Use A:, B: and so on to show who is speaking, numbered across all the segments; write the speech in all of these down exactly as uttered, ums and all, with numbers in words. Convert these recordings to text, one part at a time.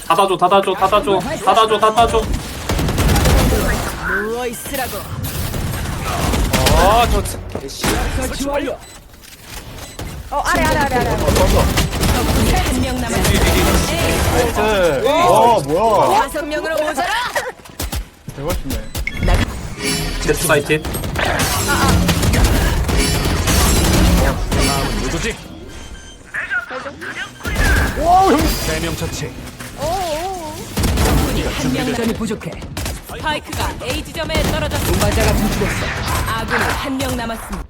A: 닫아줘 닫아줘 닫아줘 닫아줘 닫아줘.
B: 누워 있으라고.
C: 아저
B: 설치 완료. 어 아래 아래 아래 아래. 한명 남았습니다.
D: 나이스. 와 뭐야?
B: 다섯 명으로 모자라.
D: 대박이네.
A: 제트 사이트.
C: 누구지? 세명 처치.
B: 한명 남이 부족해. 스파이크가 A 지점에 떨어졌습니다. 맞아가 죽었어. 아군이 한 명 남았습니다.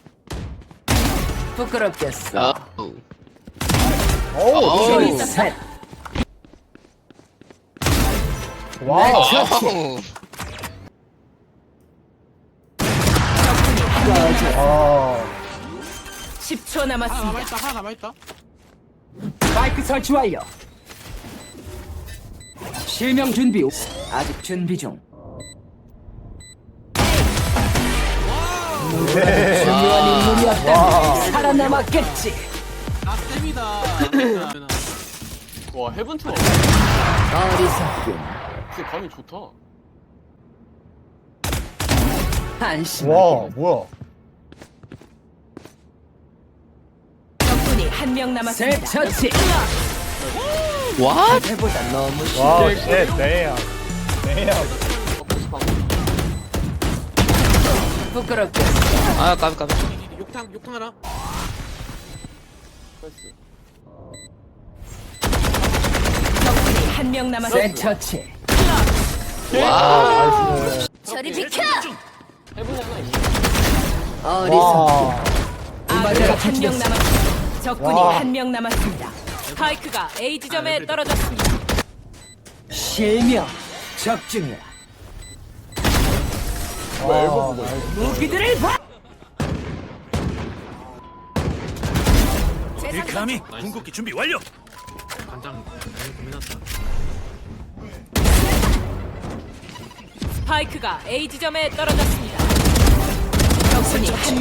B: 부끄럽겠어.
D: 오.
B: 쇼이 셋.
D: 와.
B: 적군이
D: 아.
B: 십 초 남았습니다.
C: 남아있다 하나 남아있다.
B: 스파이크 설치 완료. 실명 준비. 아직 준비 중. 중요한 인물이었다. 살아남았겠지.
C: 나 쌤이다. 와 헤븐 투어.
B: 어리석군.
C: 진짜 감이 좋다.
B: 한심하게.
D: 와 뭐야?
B: 적군이 한 명 남았습니다. 처치.
E: 와?
B: 해보다 너무 쉽.
D: 와 쉣. 네야. 네야.
B: 부끄럽겠어.
E: 아 까비 까비.
C: 욕탕 욕탕 하나. 나이스.
B: 적군이 한 명 남았습니다. 처치.
E: 와.
D: 나이스.
B: 저리 비켜.
C: 헤븐 하나 있어.
B: 어리석군.
D: 와.
B: 아군이 한 명 남았습니다. 적군이
D: 와.
B: 한 명 남았습니다. 스파이크가 A 지점에 떨어졌습니다. 실명 적중이야.
D: 와.
B: 무기들을 봐.
C: 감히 궁극기 준비 완료. 간장 고민한다.
B: 스파이크가 A 지점에 떨어졌습니다. 적군이 한